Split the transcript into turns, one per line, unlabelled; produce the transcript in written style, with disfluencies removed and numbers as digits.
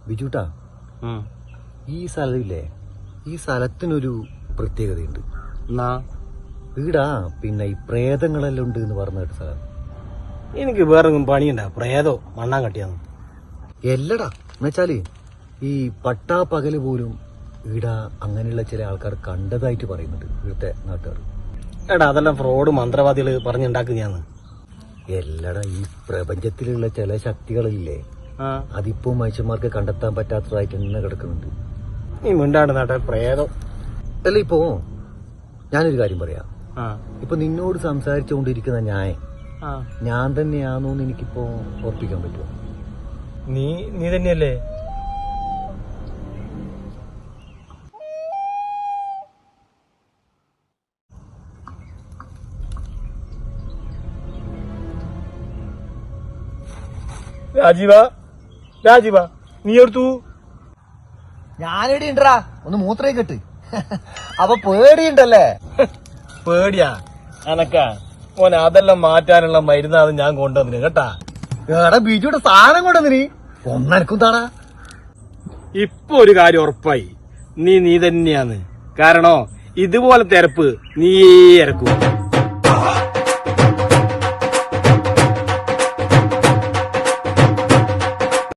ബിജുട്ടാ, ഈ സ്ഥലമില്ലേ, ഈ സ്ഥലത്തിനൊരു പ്രത്യേകതയുണ്ട്. ഈടാ പിന്നെ ഈ പ്രേതങ്ങളെല്ലാം ഉണ്ട് എന്ന് പറഞ്ഞ കേട്ട സ്ഥലം.
എനിക്ക് വേറെ പണിയുണ്ടാ, പ്രേതോ മണ്ണാൻ കട്ടിയാന്ന്
എല്ലടാ. എന്നുവെച്ചാല് ഈ പട്ടാ പകല് പോലും ഈടാ അങ്ങനെയുള്ള ചില ആൾക്കാർ കണ്ടതായിട്ട് പറയുന്നുണ്ട് ഇവിടുത്തെ നാട്ടുകാർ.
എടാ അതെല്ലാം ഫ്രോഡ് മന്ത്രവാദികള് പറഞ്ഞുണ്ടാക്കുന്നയാന്ന്.
എല്ലടാ, ഈ പ്രപഞ്ചത്തിലുള്ള ചില ശക്തികളില്ലേ, അതിപ്പോ മനുഷ്യന്മാർക്ക് കണ്ടെത്താൻ പറ്റാത്തതായിട്ട് തന്നെ കിടക്കുന്നുണ്ട്.
നീ മിണ്ടാണ്ട് നാട്ടെ പ്രേതോ.
അല്ല, ഇപ്പോ ഞാനൊരു കാര്യം പറയാം. ഇപ്പൊ നിന്നോട് സംസാരിച്ചുകൊണ്ടിരിക്കുന്ന ഞാൻ തന്നെയാണോന്ന് എനിക്കിപ്പോ ഉറപ്പിക്കാൻ പറ്റുമോ?
നീ തന്നെയല്ലേ? രാജീവ നീ എടുത്തു.
ഞാനെടി ഉണ്ടടാ, ഒന്ന് മൂത്രേ കെട്ട്. അപ്പൊ പേടിയുണ്ടല്ലേ?
പേടിയാ അനക്കാ മോനെ? അതെല്ലാം മാറ്റാനുള്ള മരുന്നാണ് ഞാൻ കൊണ്ടുവന്നിന് കേട്ടാ.
എടാ ബിജുയുടെ സാധനം കൊണ്ടുവന്നിനി ഒന്നെനക്കും താടാ.
ഇപ്പൊ ഒരു കാര്യം ഉറപ്പായി, നീ തന്നെയാന്ന്. കാരണോ ഇതുപോലെ തിരപ്പ് നീ ഇറക്കും.